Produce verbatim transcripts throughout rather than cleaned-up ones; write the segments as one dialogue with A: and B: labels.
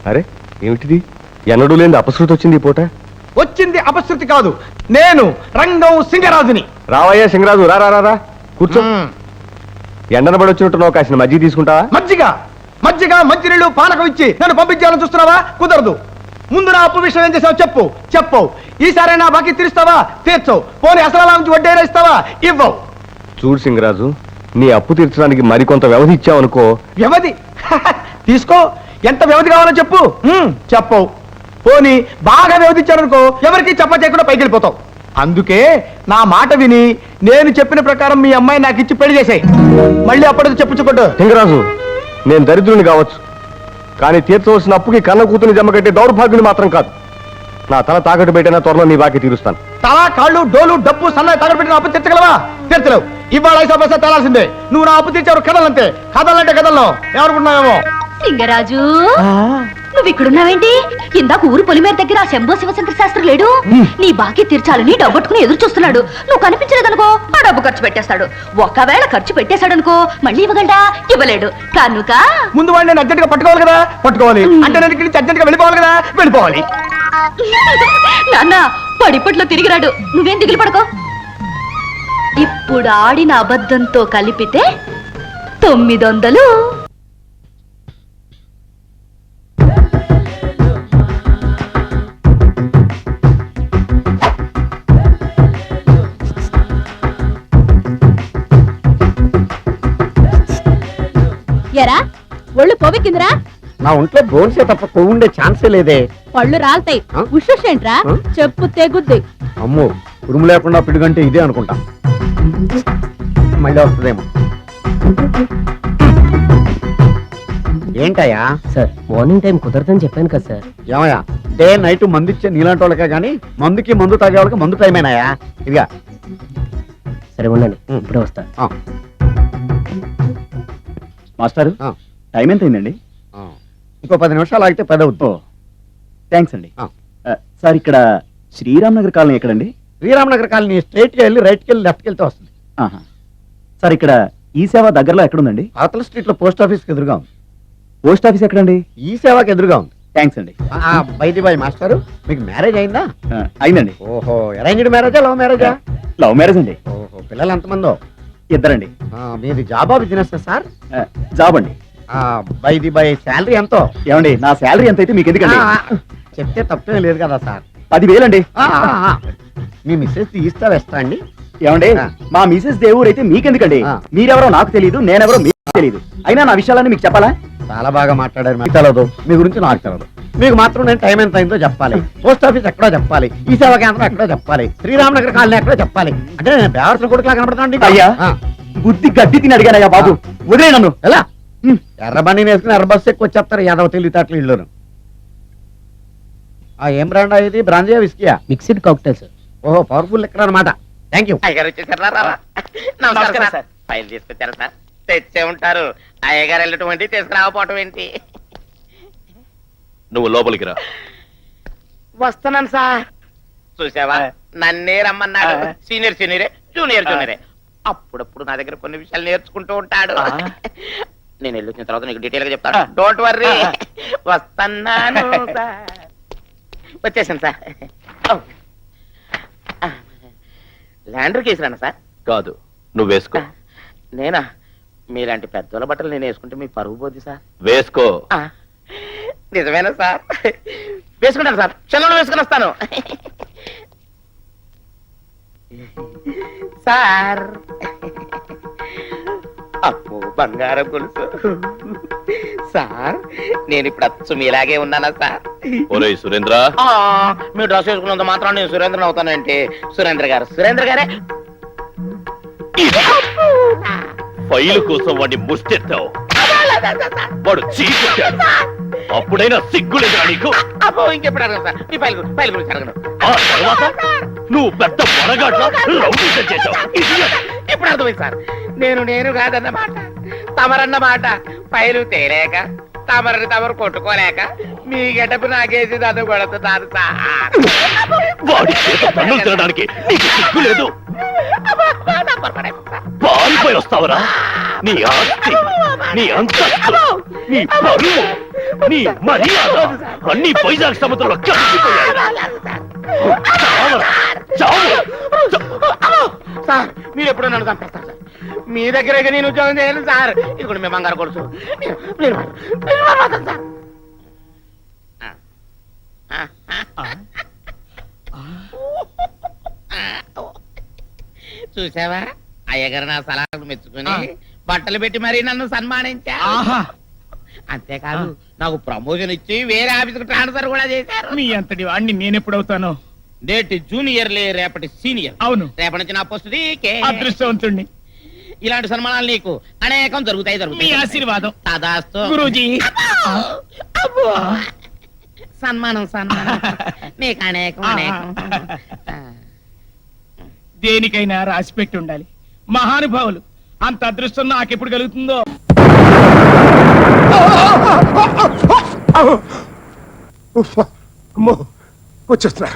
A: అరే ఏమిటిది? ఎన్నడూ లేని అపశృతి వచ్చింది ఈ పూట.
B: వచ్చింది అపశృతి కాదు, నేను రంగం సింగరాజుని.
A: రావయ్యా సింగరాజు, రా రా రా కూర్చో. ఎండన పడి వచ్చినట్టు కాసిన మజ్జిగ తీసుకుంటావా?
B: మజ్జిగ మజ్జిగ మంచినీళ్ళు పానకం ఇచ్చి నన్ను పంపించాలని చూస్తున్నావా? కుదరదు. ముందు నా అప్పు విషయం ఏం చేసావు చెప్పు చెప్పు. ఈసారి నా బాకీ తీరుస్తావా? తీర్చవు. పోనీ అసలు నుంచి వడ్డీ ఇస్తావా? ఇవ్వవు.
A: చూడు సింగరాజు, నీ అప్పు తీర్చడానికి మరికొంత వ్యవధి ఇచ్చావనుకో.
B: వ్యవధి తీసుకో, ఎంత వ్యవధి కావాలో చెప్పు. చెప్పవు. పోనీ బాగా వ్యవధించారనుకో, ఎవరికి చెప్ప చేయకుండా పైకి వెళ్ళిపోతావు. అందుకే నా మాట విని నేను చెప్పిన ప్రకారం మీ అమ్మాయి నాకు ఇచ్చి పెళ్లి చేసాయి. మళ్ళీ అప్పటికి చెప్పుచ్చుకోడు.
A: సింగరాజు, నేను దరిద్రుని కావచ్చు, కానీ తీర్చవలసిన అప్పుకి కన్న కూతుని జమ కట్టే దౌర్భాగ్యుని మాత్రం కాదు. నా తల తాకట్టు పెట్టినా త్వరలో నీ బాకీ తీరుస్తాను.
B: తల కాళ్ళు డోలు డబ్బు సన్నాయి తాకట్టు పెట్టిన అప్పు తీర్చగలవా? తీర్చలేవు. ఇవాళ ఐసా పైసా తేలాల్సిందే. నువ్వు నా అప్పు తీర్చావు. కథలంతే. కథలంటే కథల్లో ఎవరుకున్నావేమో.
C: సింగరాజు, నువ్వు ఇక్కడున్నావేంటి? ఇందాక ఊరు పొలిమేర దగ్గర ఆ శంభో శివశంకర శాస్త్రి లేడు? నీ బాకీ తీర్చాలని డబ్బట్టుకుని ఎదురు చూస్తున్నాడు. నువ్వు కనిపించలేదనుకో, ఆ డబ్బు ఖర్చు పెట్టేస్తాడు. ఒకవేళ ఖర్చు పెట్టేశాడనుకో, మళ్ళీ ఇవ్వగలడా? ఇవ్వలేడు. కనుక
B: ముందు వాడిని నేను అర్జెంట్ గా పట్టుకోవాలి కదా. పట్టుకోవాలి అంటే నేను ఇక్కడి నుంచి అర్జెంట్ గా వెళ్ళిపోవాలి కదా. వెళ్ళిపోవాలి.
C: నాన్న పడిపట్లో తిరిగిరాడు. నువ్వేం దిగులు పడుకో. ఇప్పుడు ఆడిన అబద్ధంతో కలిపితే తొమ్మిది వందలు.
D: ఎరా ఒళ్ళు పొవికిందిరా?
E: నా ఒంట్లో బోన్సే తప్ప కొవ్వుండే ఛాన్సే లేదే.
D: పళ్ళు రాలతాయి. ఉషుషేంట్రా? చెప్పు తెగుద్ది.
E: అమ్మో, ఉరుము లేకుండా పిడుగంటే ఇదే అనుకుంటా. మళ్ళీ వస్తుందేమో. ఏంటయ్యా?
F: సార్ మార్నింగ్ టైం కుదరదని చెప్పాను కదా సార్.
E: ఏమయ్యా, డే నైట్ మందు ఇచ్చే నీలాంటి వాళ్ళకే గానీ మందుకి మందు తాగే వాళ్ళకి మందు టైమేనాయా? ఇదిగా
F: సరే ఉండండి, ఇప్పుడే వస్తా.
G: మాస్టారు, టైం ఎంత అయిందండి?
E: ఇంకో పది నిమిషాలు ఆగితే పది అవుతుంది.
G: థ్యాంక్స్ అండి. సార్, ఇక్కడ శ్రీరామ్ నగర్ కాలనీ ఎక్కడండి?
E: శ్రీరామ్ నగర్ కాలనీ స్ట్రైట్కి వెళ్ళి రైట్కి వెళ్ళి లెఫ్ట్కి వెళ్తే వస్తుంది.
G: సార్, ఇక్కడ ఈ సేవ దగ్గరలో ఎక్కడుందండి?
E: అవతల స్ట్రీట్ లో పోస్ట్ ఆఫీస్కి ఎదురుగా ఉంది.
G: పోస్ట్ ఆఫీస్ ఎక్కడండి?
E: ఈ సేవకి ఎదురుగా ఉంది.
G: థ్యాంక్స్ అండి.
E: బైది బాయ్ మాస్టారు, మీకు మ్యారేజ్ అయిందా?
G: అయిందండి.
E: ఓహో, అరేంజ్డ్ మ్యారేజా లవ్ మ్యారేజా?
G: లవ్ మ్యారేజ్ అండి.
E: ఓహో, పిల్లలు ఎంతమందో?
G: ఇద్దరండి.
E: మీది జాబా బిజినెస్ సార్?
G: జాబ్ అండి.
E: బైది బై శాలరీ ఎంతో?
G: ఏమండి, నా శాలరీ ఎంత అయితే మీకు ఎందుకండి?
E: చెప్తే తప్పేం లేదు కదా సార్.
G: పదివేలండి.
E: మీ మిస్సెస్ తీస్తా వేస్తా అండి.
G: ఏమండి, మా మిసెస్ దేవుడు అయితే మీకెందుకండి? మీరెవరో నాకు తెలియదు, నేనెవరో మీకు తెలియదు. అయినా నా విషయాలన్నీ మీకు చెప్పాలా?
E: చాలా బాగా మాట్లాడారు. మీకు తెలదు, మీ గురించి నాకు తెలదు. మీకు మాత్రం నేను టైం ఎంత అయిందో చెప్పాలి. పోస్ట్ ఆఫీస్ ఎక్కడో చెప్పాలి, ఈ సేవా కేంద్రం ఎక్కడో చెప్పాలి, శ్రీరామ్ నగర్ కాలనీ ఎక్కడో చెప్పాలి. అంటే నేను బేవర్సన కొడుకులా కనబడతాను.
G: అయ్యా, బుద్ధి గడ్డి తిని అడిగానయ్యా బాబు, వదిలే నన్ను.
E: ఎలా ఎర్ర బండి వేసుకుని ఎర్ర బస్సు ఎక్కువ వచ్చేస్తారు యాదవ తెలివితేటలు ఇల్లును. ఏం బ్రాండ్ ఇది? బ్రాంజియా విస్కియా?
F: Mixed cocktail sir.
E: ఓహో, పవర్ఫుల్ ఎక్కడ అనమాట. Thank you.
H: నమస్కారం సార్. ఫైల్ తీసుకొచ్చారా సార్? తెచ్చే ఉంటారు. అయ్యగారు వెళ్ళటం ఏంటి, తీసుకురాకపోవటం ఏంటి?
A: నువ్వు లోపలికి రా.
H: వస్తున్నాను సార్. చూసావా, నన్నే రమ్మన్నాడు. సీనియర్ సీనియరే, జూనియర్ జూనియరే. అప్పుడప్పుడు నా దగ్గర కొన్ని విషయాలు నేర్చుకుంటూ ఉంటాడు. నేను వెళ్ళి వచ్చిన తర్వాత నీకు డీటెయిల్ గా చెప్తాను. Don't worry. వస్తున్నాను సార్. వచ్చేసాను సార్. ల్యాండర్ కేసురానా సార్?
A: కాదు, నువ్వు వేసుకో.
H: నేనా? మీలాంటి పెద్దోళ్ళ బట్టలు నేను వేసుకుంటే మీ పరువు పోద్ది సార్.
A: వేసుకో.
H: నిజమేనా సార్? వేసుకుంటాను సార్. క్షణంలో వేసుకుని వస్తాను సార్. అప్పు బంగారం గొలుసు సార్. నేను ఇప్పుడు అచ్చు మీలాగే ఉన్నానా సార్?
A: ఒరేయ్ సురేంద్ర,
H: మీరు డ్రెస్ వేసుకున్నంత మాత్రం నేను సురేంద్రని అవుతానంటే. సురేంద్ర గారు సురేంద్ర గారే.
A: ఫైలు కోసం వాడిని ముష్టెత్తావు, వాడు చీకొచ్చాడు. అప్పుడైనా సిగ్గులేదా నీకు?
H: అబ్బో, ఇంకెప్పుడు అడగను సార్. మీ ఫైల్ ఫైల్ గురించి అడగను.
A: ఆ తర్వాత నువ్వు పెద్ద మొనగాట్లా రౌడీసం చేశావు.
H: ఇప్పుడు అర్థమైంది సార్. నేను నేను కాదన్నమాట, తమరన్నమాట. ఫైలు తేలేక, తమరని తమరు కొట్టుకోలేక మీ గెటపు నాకేసి నన్ను కొడుతున్నారు సార్.
A: వాడి చేత పన్నులు తినడానికి నీకు సిగ్గు లేదు? పారిపోయి వస్తావరా? నీ ఆస్తి, నీ అంతస్తు, నీ పరువు నీ మర్యాద అన్ని వైజాగ్ సముద్రంలో కలిసిపోయాయి. చావరా, చావు.
H: సార్ మీరు ఎప్పుడో నన్ను చంపేస్తారు సార్. మీ దగ్గర నేను ఉద్యోగం చేయను సార్. ఇది కూడా మీ బంగారు కొడుచు. మీరు- మీరు మాత్రం- మీరు మాత్రం సార్. చూసావా అయ్యగారు నా సలహాలు మెచ్చుకుని బట్టలు పెట్టి మరీ నన్ను సన్మానించా. అంతేకాదు నాకు ప్రమోషన్ ఇచ్చి వేరే ఆఫీస్కి ట్రాన్స్ఫర్ కూడా చేశారు.
B: మీ అంతటి వాడిని నేను ఎప్పుడవుతాను?
H: నేటి జూనియర్ లే రేపటి సీనియర్.
B: అవును.
H: రేపటి నుంచి నా పోస్ట్ నీకే.
B: అదృష్టవంతుణ్ణి.
H: ఇలాంటి సన్మానాలు నీకు అనేకం జరుగుతాయి
B: మీ
H: జరుగుతాయి.
B: ఆశీర్వాదం
H: తదాస్తు
B: గురూజీ.
H: అబ్బో. సన్మానం సన్మానం నీకు అనేకం అనేకం.
B: దేనికైనా రాసి పెట్టి ఉండాలి. మహానుభావులు అంత అదృష్టం నాకెప్పుడు కలుగుతుందో.
A: అమ్మో వచ్చేస్తున్నారు.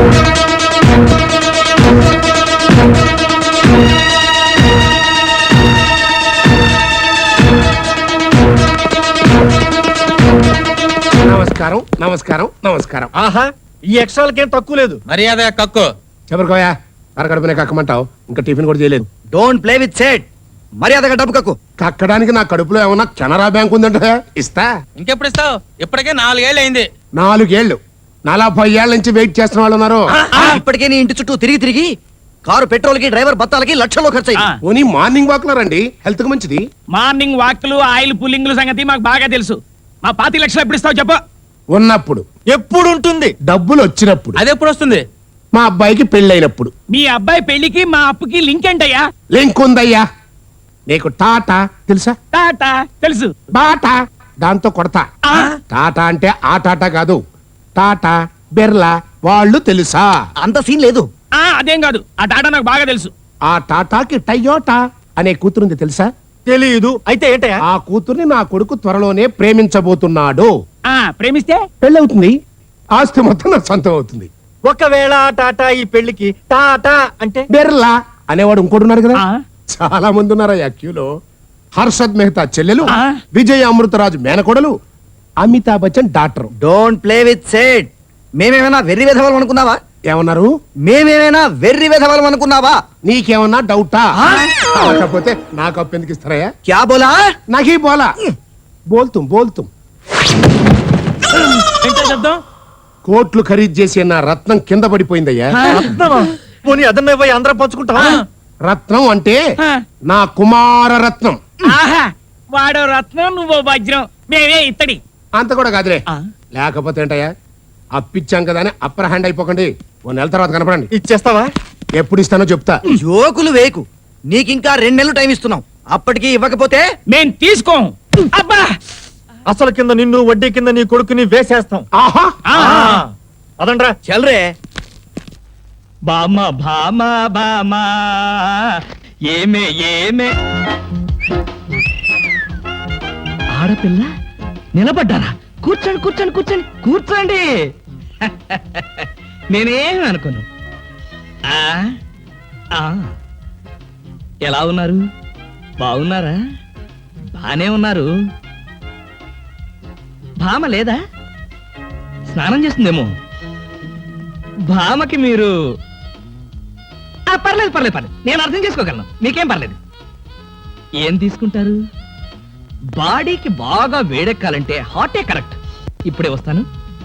A: నమస్కారం నమస్కారం నమస్కారం.
B: ఆహా, ఈ ఎక్స్ట్రాలకేం తక్కువ లేదు.
I: మర్యాద కక్కు.
A: చెప్పరుకోయా అరగడుపునే కక్కమంటావు, ఇంకా టిఫిన్ కూడా చేయలేదు.
G: Don't play with set. మర్యాదగా డబ్బు కక్కు.
A: కక్కడానికి నా కడుపులో ఏమన్నా కెనరా బ్యాంక్ ఉందంటే ఇస్తా.
I: ఇంకెప్పుడు ఇస్తావు? ఇప్పటికే నాలుగేళ్ళు అయింది.
A: నాలుగేళ్లు నలభై ఏళ్ల నుంచి వెయిట్ చేస్తున్న వాళ్ళు ఉన్నారు.
G: ఇప్పటికే నీ ఇంటి చుట్టూ తిరిగి తిరిగి కారు పెట్రోల్ కి డ్రైవర్ బత్తాలకి లక్షల్లో ఖర్చు అయింది.
A: పోనీ మార్నింగ్ వాక్ లో రండి, హెల్త్ కు మంచిది.
B: మార్నింగ్ వాక్లు ఆయిల్ పుల్లింగ్లు సంగతి మాకు బాగా తెలుసు. మా పాతి లక్షలు ఎప్పుడు ఇస్తావు చెప్పు.
A: ఉన్నప్పుడు
B: ఎప్పుడు ఉంటుంది?
A: డబ్బులు వచ్చినప్పుడు.
I: అది ఎప్పుడు వస్తుంది?
A: మా అబ్బాయికి పెళ్ళైనప్పుడు.
B: మీ అబ్బాయి పెళ్లికి మా అప్పుకి లింక్ ఏంటయ్యా?
A: లింక్ ఉందయ్యా. నీకు టాటా తెలుసా?
B: టాటా తెలుసు.
A: బాటా దాంతో కొడతా.
B: ఆ?
A: టాటా అంటే ఆ టాటా కాదు, టాటా బిర్లా వాళ్ళు తెలుసా?
G: అంత సీన్ లేదు.
B: ఆ అదేం కాదు, ఆ టాటా నాకు బాగా తెలుసు.
A: ఆ టాటాకి టయోటా అనే కూతురుంది తెలుసా?
B: తెలియదు. అయితే ఏంటయ్యా?
A: ఆ కూతుర్ని నా కొడుకు త్వరలోనే ప్రేమించబోతున్నాడు.
B: ఆ ప్రేమిస్తే
A: పెళ్ళవుతుంది, ఆస్తి మొత్తం నా సొంతం అవుతుంది.
B: ఒకవేళ టాటా ఈ పెళ్లికి టాటా అంటే
A: బిర్లా అనేవాడు ఇంకోడున్నాడు కదా.
B: ఆ?
A: చాలా మంది ఉన్నారయ్యా క్యూలో. హర్షద్ మెహతా చెల్లెలు,
B: ఆ?
A: విజయ్ అమృతరాజు మేనకోడలు, Amitabh Bachchan doctor.
G: Don't play with set. మేమేమైనా వెర్రి వెధవాలం అనుకున్నావా?
A: ఏమన్నారు?
G: మేమేమైనా వెర్రి వెధవాలం అనుకున్నావా?
A: నీకేమన్నా డౌటా? కాకపోతే నాకు అప్పు ఎందుకు ఇస్తారయ్యా?
G: క్యా బోలా?
A: నాకీ బోలా బోల్తుం బోల్తుం.
B: ఏంటో శబ్దం?
A: కోట్లు ఖరీదు చేసి నా రత్నం కింద పడిపోయిందయ్యా.
B: పోనీ అదన్న పోయి అందరం పంచుకుంటావా?
A: రత్నం అంటే
B: ఆ.
A: నా కుమార రత్నం.
B: ఆహా, వాడో రత్నం నువ్వో వజ్రం, మేమే ఇత్తడి.
A: అంత కూడా కాదులే.
B: ఆ.
A: లేకపోతే ఏంటయ్యా, అప్పిచ్చాం కదా అని అప్పర్ హ్యాండ్ అయిపోకండి. ఓ నెల తర్వాత కనపడండి.
B: ఇచ్చేస్తావా?
A: ఎప్పుడు ఇస్తానో చెప్తా.
G: జోకులు వేకు. నీకింకా రెండు నెలలు టైం ఇస్తున్నాం. అప్పటికి ఇవ్వకపోతే
B: మేం తీసుకోం. అబ్బా, అసలు కింద నిన్ను, వడ్డీ కింద నీ కొడుకుని వేసేస్తాం.
A: ఆహా,
B: అదండ్రా.
G: చల్రే.
B: బామ భామ బామ ఏమే ఏమే. ఆడపిల్ల నిలబడ్డారా? కూర్చోండి కూర్చోండి కూర్చోండి కూర్చోండి. నేనేం అనుకోను. ఆ, ఆ. ఎలా ఉన్నారు? బాగున్నారా? బానే ఉన్నారు. భామ లేదా? స్నానం చేస్తుందేమో. భామకి మీరు ఆ, పర్లేదు పర్లేదు పర్లేదు, నేను అర్థం చేసుకోగలను, మీకేం పర్లేదు. ఏం తీసుకుంటారు? బాడీకి బాగా వేడెక్కాలంటే హాటే కరెక్ట్. ఇప్పుడే వస్తాను.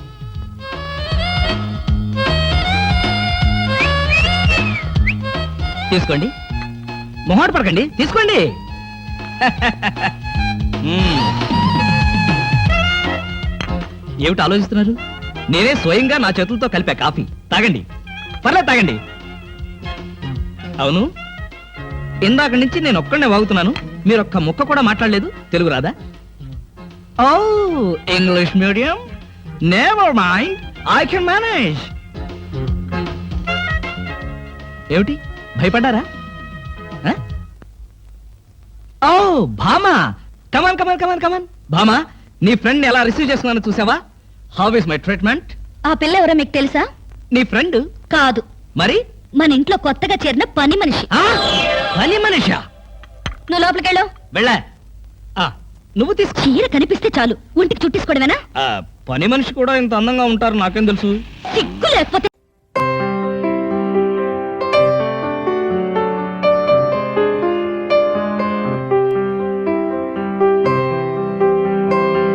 B: తీసుకోండి, మొహాట పడకండి, తీసుకోండి. మ్మ్. ఏమిటి ఆలోచిస్తున్నారు? నేనే స్వయంగా నా చేతులతో కలిపా కాఫీ. తాగండి, పర్లేదు తాగండి. అవును, ఇందాక నుంచి నేను ఒక్కడనే వాగుతున్నాను, మీరు ఒక్క ముక్క కూడా మాట్లాడలేదు. తెలుగు రాదా? ఓ, English medium. Never mind, I can manage. ఏమిటి, భయపడ్డారా? ఆ? ఓ భామా, కమాన్ కమాన్ కమాన్ కమాన్. భామా, నీ ఫ్రెండ్ ఎలా రిసీవ్ చేస్తున్నానో చూసావా? How is my treatment?
C: ఆ పిల్ల ఎవరో మీకు తెలుసా?
B: నీ ఫ్రెండ్
C: కాదు,
B: మరి?
C: మన ఇంట్లో కొత్తగా చేరిన పని మనిషి.
B: ఆ? పని మనిషా?
C: నువ్వు లోపలికెళ్ళు.
B: వెళ్ళా. ఆ,
I: నువ్వు తీసుకో.
C: చీర కనిపిస్తే చాలు ఒంటికి చుట్టేసుకోవడమేనా?
I: పని మనిషి కూడా ఇంత అందంగా ఉంటారు నాకేం తెలుసు.
C: సిగ్గు లేకపోతే